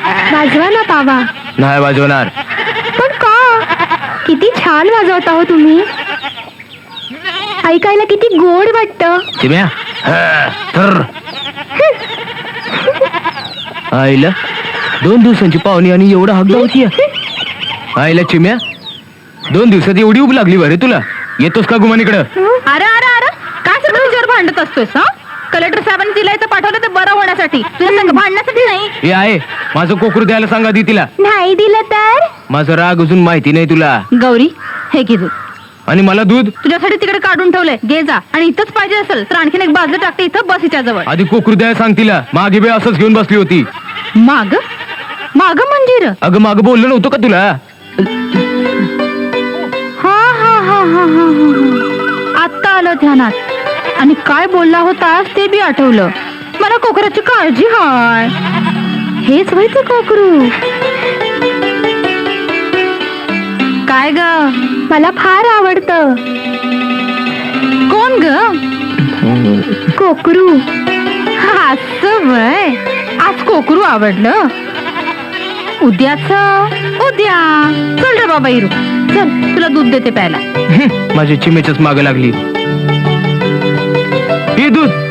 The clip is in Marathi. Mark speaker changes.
Speaker 1: वाजवा ना पावा.
Speaker 2: नाही वाजवणार.
Speaker 1: पण का? किती छान वाजवता हो तुम्ही. ऐकायला किती गोड वाटतं.
Speaker 2: चिम्या आईला 2 दिवसांची पाहुणी आणि एवढा हगदा होती. आईला चिम्या 2 दिवसात एवढी उब लागली बरे तुला. येतोस का गुमानीकडं?
Speaker 3: अरे अरे अरे काय सगळं तुझ्यावर भांडत असतोस? हा कलेक्टर साहेबांनी तिला इथं पाठवलं ते बरं होण्यासाठी, तुझ्या संग भांडण्यासाठी नाही.
Speaker 2: हे आहे माझं कोकरू द्यायला सांगा आधी तिला.
Speaker 1: नाही दिलं तर?
Speaker 2: माझं राग अजून माहिती नाही तुला.
Speaker 3: गौरी हे घे दूध.
Speaker 2: आणि मला दूध
Speaker 3: तुझ्यासाठी तिकडे काढून ठेवलंय, घे जा. आणि इथंच पाहिजे असेल तर आणखीन एक बाजू टाकते इथं बस हिच्या जवळ.
Speaker 2: आधी कोकरू द्यायला सांग तिला. मागे बे असंच घेऊन बसली होती.
Speaker 3: माग माग म्हणजे र?
Speaker 2: अगं मागं बोललो नव्हतं का तुला?
Speaker 3: हा हा हा हा हा हा आत्ता आलं ध्यानात. आणि काय बोलला होतास ते बी आठवलं. मला कोकराची काळजी हाय. हेच व्हायचं कोकरू. काय ग?
Speaker 1: मला फार आवडतं.
Speaker 3: कोण ग?
Speaker 1: कोकरू.
Speaker 3: असं वय. आज कोकरू आवडलं. उद्याच उद्या. चल रे बाबा हिरू, चल तुला दूध देते प्यायला.
Speaker 2: माझ्या चिमेच्याच मागं लागली. हे दूध